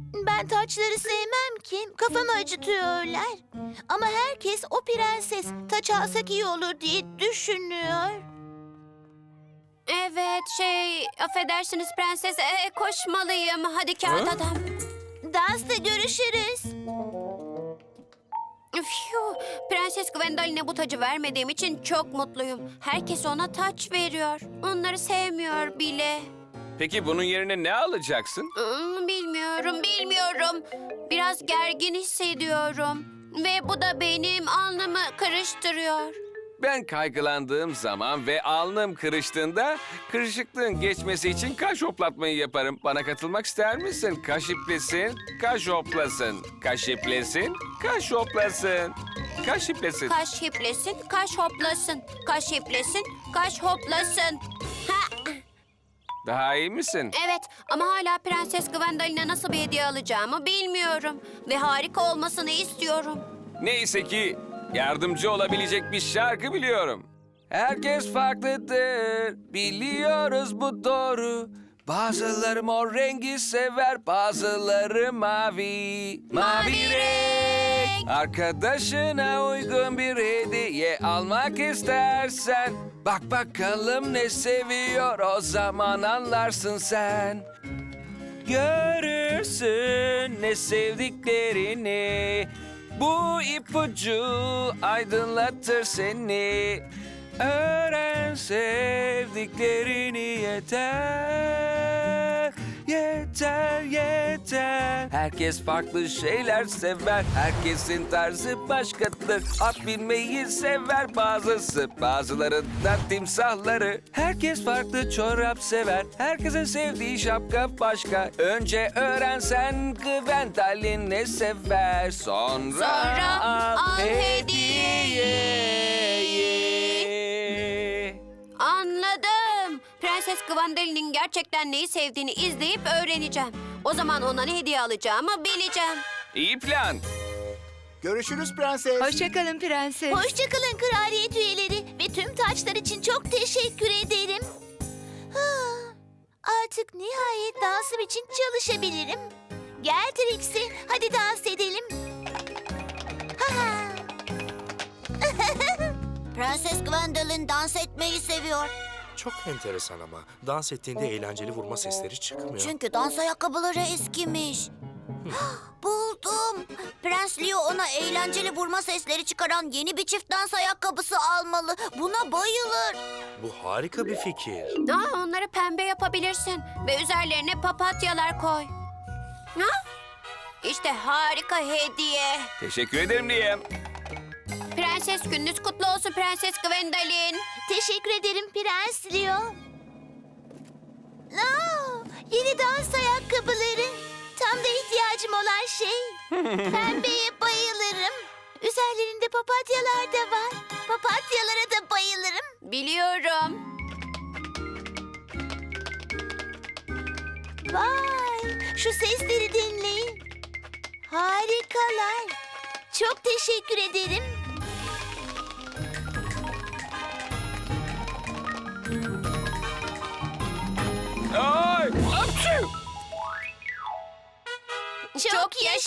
Ben taçları sevmem ki. Kafamı acıtıyorlar. Ama herkes o prenses taç alsak iyi olur diye düşünüyor. Evet, affedersiniz prenses. Koşmalıyım. Hadi kağıt adam. Dansta görüşürüz. Phew, Prenses Gwendolen'e bu tacı vermediğim için çok mutluyum. Herkes ona taç veriyor. Onları sevmiyor bile. Peki bunun yerine ne alacaksın? Bilmiyorum. Biraz gergin hissediyorum. Ve bu da benim alnımı karıştırıyor. Ben kaygılandığım zaman ve alnım kırıştığında kırışıklığın geçmesi için kaş hoplatmayı yaparım. Bana katılmak ister misin? Kaş iplesin, kaş hoplasın. Kaş iplesin, kaş hoplasın. Kaş iplesin. Kaş hiplesin, kaş hoplasın. Kaş hiplesin, kaş hoplasın. Ha, Daha iyi misin? evet ama hala Prenses Gwendolen'e nasıl bir hediye alacağımı bilmiyorum. Ve harika olmasını istiyorum. Neyse ki yardımcı olabilecek bir şarkı biliyorum. Herkes farklıdır, biliyoruz bu doğru. Bazıları mor rengi sever, bazıları mavi. Mavi renk. Arkadaşına uygun bir hediye almak istersen, bak bakalım ne seviyor, o zaman anlarsın sen. Görürsün ne sevdiklerini. Bu ipucu aydınlatır seni. Öğren sevdiklerini yeter. Yeter. Herkes farklı şeyler sever. Herkesin tarzı başkadır. At binmeyi sever bazısı. Bazıları da timsahları. Herkes farklı çorap sever. Herkesin sevdiği şapka başka. Önce öğrensen Gwendolen ne sever. Sonra al hediyeyi. Anladım. Prenses Gwendolen'in gerçekten neyi sevdiğini izleyip öğreneceğim. O zaman ona ne hediye alacağımı bileceğim. İyi plan. Görüşürüz prenses. Hoşçakalın prenses. Hoşçakalın kraliyet üyeleri ve tüm taçlar için çok teşekkür ederim. Artık nihayet dansım için çalışabilirim. Gel Trixie, hadi dans edelim. Prenses Gwendolen dans etmeyi seviyor. Çok enteresan ama dans ettiğinde eğlenceli vurma sesleri çıkmıyor. Çünkü dans ayakkabıları eskimiş. Buldum. Prens Leo ona eğlenceli vurma sesleri çıkaran yeni bir çift dans ayakkabısı almalı. Buna bayılır. Bu harika bir fikir. Onları pembe yapabilirsin ve üzerlerine papatyalar koy. İşte harika hediye. Teşekkür ederim Liam. Prenses gününüz kutlu olsun Prenses Gwendolen. Teşekkür ederim Prens Leo. Yeni dans ayakkabıları. Tam da ihtiyacım olan şey. Pembeye bayılırım. Üzerlerinde papatyalar da var. Papatyalara da bayılırım. Biliyorum. Vay, şu sesleri dinleyin. Harikalar. Çok teşekkür ederim.